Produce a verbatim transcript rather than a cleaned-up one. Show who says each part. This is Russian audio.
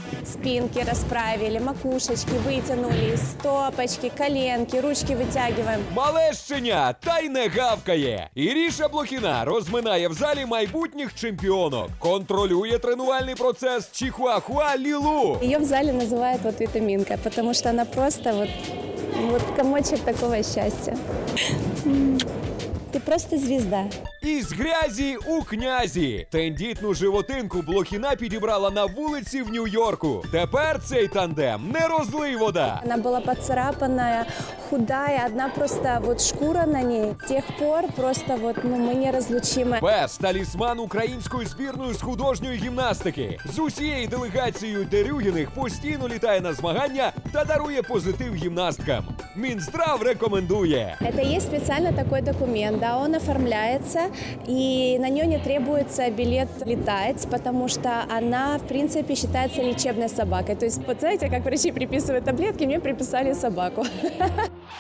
Speaker 1: Спинки расправили, макушечки вытянули, стопочки, коленки, ручки вытягиваем.
Speaker 2: Мале щеня, та й не гавкає. Іріша Блохіна розминає в залі майбутніх чемпіонок. Контролює тренувальний процес Чихуахуа Лілу.
Speaker 1: Ее в зале называют вот витаминка, потому что она просто вот, вот комочек такого счастья. Ты просто звезда.
Speaker 2: Із грязі у князі. Тендітну животинку Блохіна підібрала на вулиці в Нью-Йорку. Тепер цей тандем не розлий вода.
Speaker 1: Она была поцарапанная, худая, одна просто вот шкура на ней. С тех пор просто вот, ну, мы неразлучимы.
Speaker 2: Пес – талісман української збірної з художньої гімнастики. З усією делегацією Дерюгіних постійно літає на змагання та дарує позитив гімнасткам. Мінздрав рекомендує.
Speaker 1: Это есть специально такой документ, да, он оформляется, и на нее не требуется билет летать, потому что она, в принципе, считается лечебной собакой. То есть, вот знаете, как врачи приписывают таблетки, мне приписали собаку.